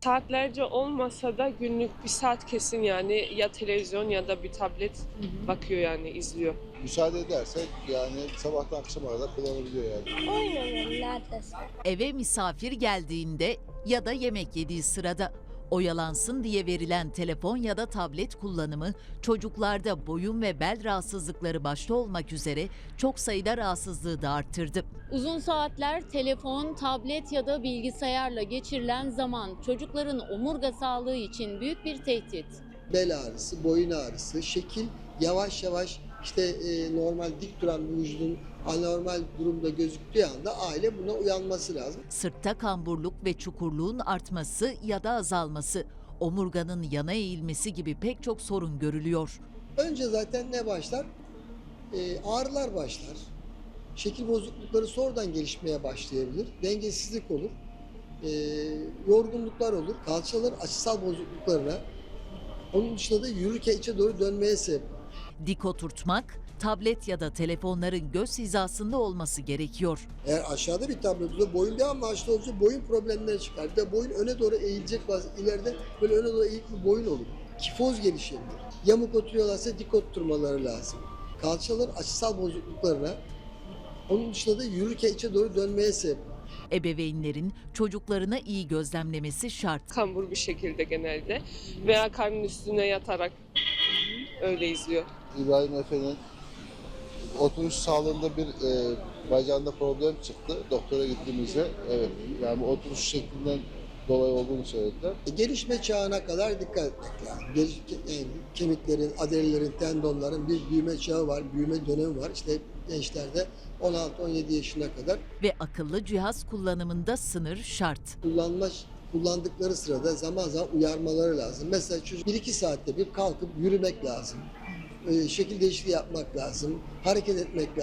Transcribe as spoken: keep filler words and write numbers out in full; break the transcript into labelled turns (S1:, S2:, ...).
S1: Saatlerce olmasa da günlük bir saat kesin yani ya televizyon ya da bir tablet bakıyor yani izliyor.
S2: Müsaade edersek yani sabahtan akşama kadar kullanabiliyor yani.
S3: Oyun oynuyorum neredeyse.
S4: Eve misafir geldiğinde ya da yemek yediği sırada oyalansın diye verilen telefon ya da tablet kullanımı çocuklarda boyun ve bel rahatsızlıkları başta olmak üzere çok sayıda rahatsızlığı da arttırdı.
S5: Uzun saatler telefon, tablet ya da bilgisayarla geçirilen zaman çocukların omurga sağlığı için büyük bir tehdit.
S6: Bel ağrısı, boyun ağrısı, şekil yavaş yavaş işte e, normal dik duran bir vücudun anormal durumda gözüktüğü anda aile buna uyanması lazım.
S4: Sırtta kamburluk ve çukurluğun artması ya da azalması, omurganın yana eğilmesi gibi pek çok sorun görülüyor.
S6: Önce zaten ne başlar? E, ağrılar başlar. Şekil bozuklukları sonradan gelişmeye başlayabilir. Dengesizlik olur. E, yorgunluklar olur. Kalçaların açısal bozukluklarına, onun dışında da yürürken içe doğru dönmeye sebep.
S4: Dik oturtmak, tablet ya da telefonların göz hizasında olması gerekiyor.
S6: Eğer aşağıda bir tablo olursa boyun devamlı aşağıda olursa boyun problemleri çıkar. Bir de boyun öne doğru eğilecek, bazı ileride böyle öne doğru eğik bir boyun olur. Kifoz gelişebilir. Yamuk oturuyorlarsa dik oturmaları lazım. Kalçaların açısal bozukluklarına, onun dışında da yürürken içe doğru dönmeye sebep.
S4: Ebeveynlerin çocuklarına iyi gözlemlemesi şart.
S1: Kambur bir şekilde genelde veya karnın üstüne yatarak öyle izliyor.
S2: İbrahim Efe'nin oturuş sağlığında bir e, bacağında problem çıktı. Doktora gittiğimizde evet yani bu oturuş şeklinden dolayı olduğunu söylediler.
S6: E, gelişme çağına kadar dikkat etmek lazım. Geliş, yani kemiklerin, adalelerin, tendonların bir büyüme çağı var, büyüme dönemi var. İşte gençlerde on altı on yedi yaşına kadar
S4: Ve akıllı cihaz kullanımında sınır şart.
S6: kullanma kullandıkları sırada zaman zaman uyarmaları lazım. Mesela çocuk bir iki saatte bir kalkıp yürümek lazım. E, şekil değişikliği yapmak lazım. Hareket etmek lazım.